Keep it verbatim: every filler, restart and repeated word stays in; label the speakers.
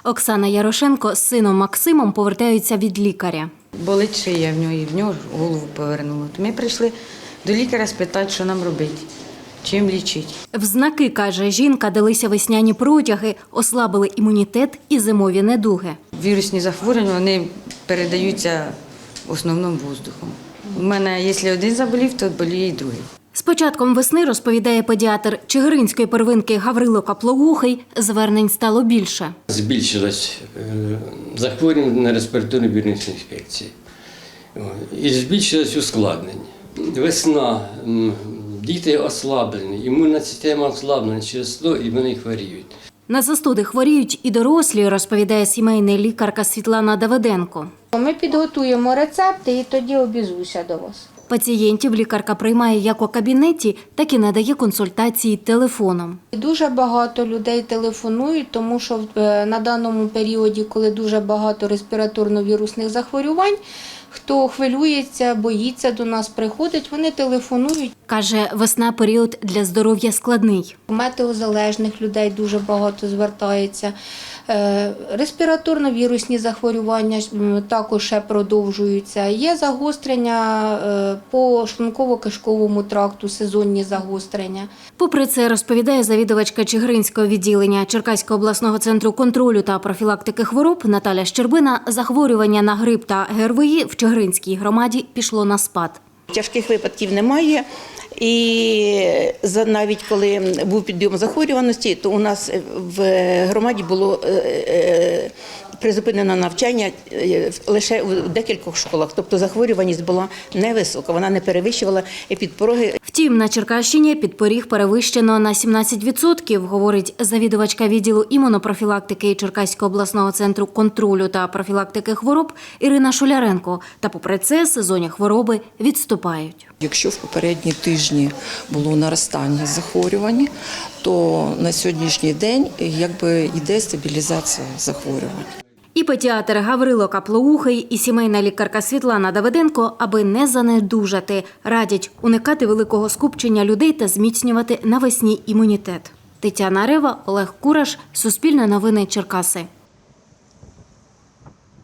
Speaker 1: Оксана Ярошенко з сином Максимом повертаються від лікаря.
Speaker 2: Болить шия в нього, і в нього голову повернуло. Ми прийшли до лікаря спитати, що нам робити, чим лічити.
Speaker 1: В знаки, каже жінка, далися весняні протяги, ослабили імунітет і зимові недуги.
Speaker 2: Вірусні захворювання, вони передаються в основному воздухом. У мене, якщо один заболів, то боліє і другий.
Speaker 1: З початком весни, розповідає педіатр Чигиринської первинки Гаврило Каплоухий, звернень стало більше.
Speaker 3: Збільшилось захворювання на респіраторні вірусні інфекції. І збільшилось ускладнення. Весна, діти ослаблені, імунна система ослаблена через то, і вони хворіють.
Speaker 1: На застуди хворіють і дорослі, розповідає сімейна лікарка Світлана Давиденко.
Speaker 4: Ми підготуємо рецепти і тоді обізвуся до вас.
Speaker 1: Пацієнтів лікарка приймає як у кабінеті, так і надає консультації телефоном.
Speaker 4: Дуже багато людей телефонують, тому що на даному періоді, коли дуже багато респіраторно-вірусних захворювань, хто хвилюється, боїться до нас, приходить, вони телефонують.
Speaker 1: Каже, весна – період для здоров'я складний.
Speaker 4: Метеозалежних людей дуже багато звертається. Респіраторно-вірусні захворювання також ще продовжуються. Є загострення по шлунково-кишковому тракту, сезонні загострення. Попри
Speaker 1: це, розповідає завідувачка Чигиринського відділення Черкаського обласного центру контролю та профілактики хвороб Наталя Щербина, захворювання на грип та ГРВІ в Чигиринській громаді пішло на спад.
Speaker 5: Тяжких випадків немає. І навіть коли був підйом захворюваності, то у нас в громаді було призупинено навчання лише в декількох школах. Тобто захворюваність була невисока, вона не перевищувала епідпороги.
Speaker 1: Втім, на Черкащині підпоріг перевищено на сімнадцять відсотків, говорить завідувачка відділу імунопрофілактики Черкаського обласного центру контролю та профілактики хвороб Ірина Шуляренко. Та попри це сезонні хвороби відступають.
Speaker 6: Якщо в попередні тижні було наростання захворювань, то на сьогоднішній день якби йде стабілізація захворювань.
Speaker 1: І педіатр Гаврило Каплоухий, і сімейна лікарка Світлана Давиденко, аби не занедужати, радять уникати великого скупчення людей та зміцнювати навесні імунітет. Тетяна Рева, Олег Кураш, Суспільне новини, Черкаси.